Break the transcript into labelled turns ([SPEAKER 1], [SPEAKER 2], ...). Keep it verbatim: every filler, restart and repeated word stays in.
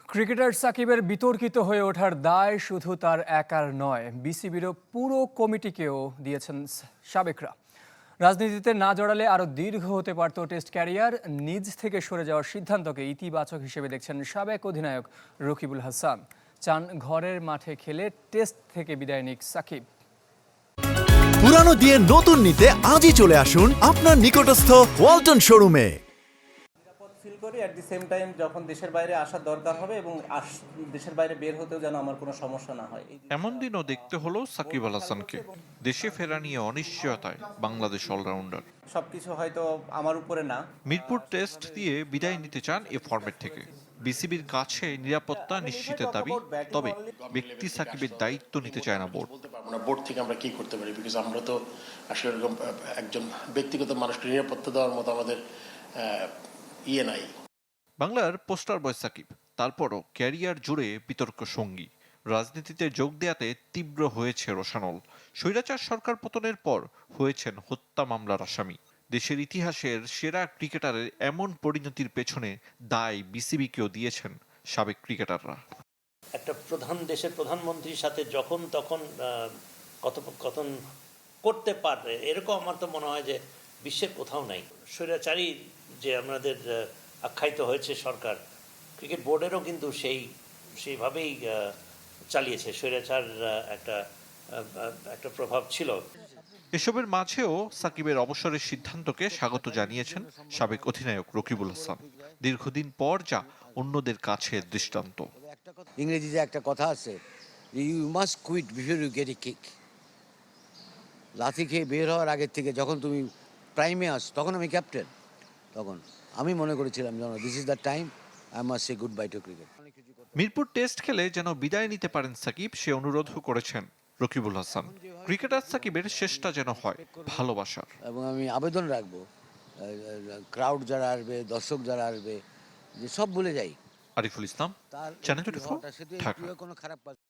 [SPEAKER 1] Cricketer সাকিবের বিতর্কিত হয়ে ওঠার দায় শুধু তার একার নয়, বিসিবিরও পুরো কমিটিকেও দিয়েছেন সাবেকরা। রাজনীতিতে না জড়ালে আরও দীর্ঘ হতে পারত টেস্ট ক্যারিয়ার। নিজ থেকে সরে যাওয়ার সিদ্ধান্তকে ইতিবাচক হিসেবে দেখছেন সাবেক অধিনায়ক রকিবুল হাসান। চান ঘরের মাঠে খেলে টেস্ট থেকে বিদায় নিক সাকিব।
[SPEAKER 2] পুরানো দিয়ে নতুন নিতে আজই চলে আসুন আপনার নিকটস্থ ওয়ালটন শোরুমে।
[SPEAKER 3] ফিল করি অ্যাট দি সেম টাইম যখন দেশের বাইরে আসার দরকার হবে এবং দেশের বাইরে বের হতেও যেন আমার কোনো সমস্যা না হয়।
[SPEAKER 4] এমন দিনও দেখতে হলো সাকিব আল হাসানকে দেশে ফেরা নিয়ে অনিশ্চয়তায় বাংলাদেশ অলরাউন্ডার।
[SPEAKER 3] সবকিছু হয়তো আমার উপরে না।
[SPEAKER 4] মিরপুর টেস্ট দিয়ে বিদায় নিতে চান এ ফরম্যাট থেকে। বিসিবির কাছে নিরাপত্তা নিশ্চিতের দাবি, তবে ব্যক্তি সাকিবের দায়িত্ব নিতে চায় না বোর্ড।
[SPEAKER 5] বোর্ড থেকে আমরা কি করতে পারি, বিকজ আমরা তো আসলে এরকম একজন ব্যক্তিগত মানুষকে নিরাপত্তা দেওয়ার মতো আমাদের ইয়ে নাই।
[SPEAKER 4] বাংলার পোস্টার বয় সাকিব, তারপরও ক্যারিয়ার জুড়ে বিতর্ক সঙ্গী। রাজনীতিতে যোগ দেয়াতে তীব্র হয়েছে রোশানল। স্বৈরাচার সরকার পতনের পর হয়েছেন হত্যা মামলার আসামি। দেশের ইতিহাসের সেরা ক্রিকেটারের এমন পরিণতির পেছনে দায় বিসিবিকেও দিয়েছেন সাবেক ক্রিকেটাররা।
[SPEAKER 6] একটা প্রধান দেশের প্রধানমন্ত্রীর সাথে যখন তখন কথোপকথন করতে পারে, এরকম আমার তো মনে হয় যে বিশ্বের কোথাও নাই। স্বৈরাচারী যে আমাদের আখ্যায়িত হয়েছে সরকার, ক্রিকেট বোর্ডেরও কিন্তু সেই সেইভাবেই চালিয়েছে। স্বৈরাচার একটা একটা প্রভাব ছিল।
[SPEAKER 4] এসবের মাঝেও সাকিবের অবসরের সিদ্ধান্তকে স্বাগত জানিয়েছেন সাবেক অধিনায়ক রকিবুল হাসান। দীর্ঘদিন পর যা অন্যদের কাছে দৃষ্টান্ত।
[SPEAKER 7] ইংরেজিতে একটা কথা আছে, you must quit before you get a kick. লাথি খেয়ে বের হওয়ার আগের থেকে যখন তুমি প্রাইমে আস, তখন আমি ক্যাপ্টেন, তখন আমি মনে করেছিলাম যেন this is the time I must say goodbye to cricket.
[SPEAKER 4] Mirpur test খেলে যেন বিদায় নিতে পারেন সাকিব, সে অনুরোধও করেছেন রকিবুল হাসান। ক্রিকেটার সাকিবের শেষটা যেন হয় ভালোবাসার।
[SPEAKER 7] এবং আমি আবেদন রাখবো ক্রাউড যারা আসবে, দর্শক যারা আসবে, যে সব ভুলে যাই।
[SPEAKER 4] Ariful Islam, channel twenty four, Dhaka.
[SPEAKER 7] কোনো খারাপ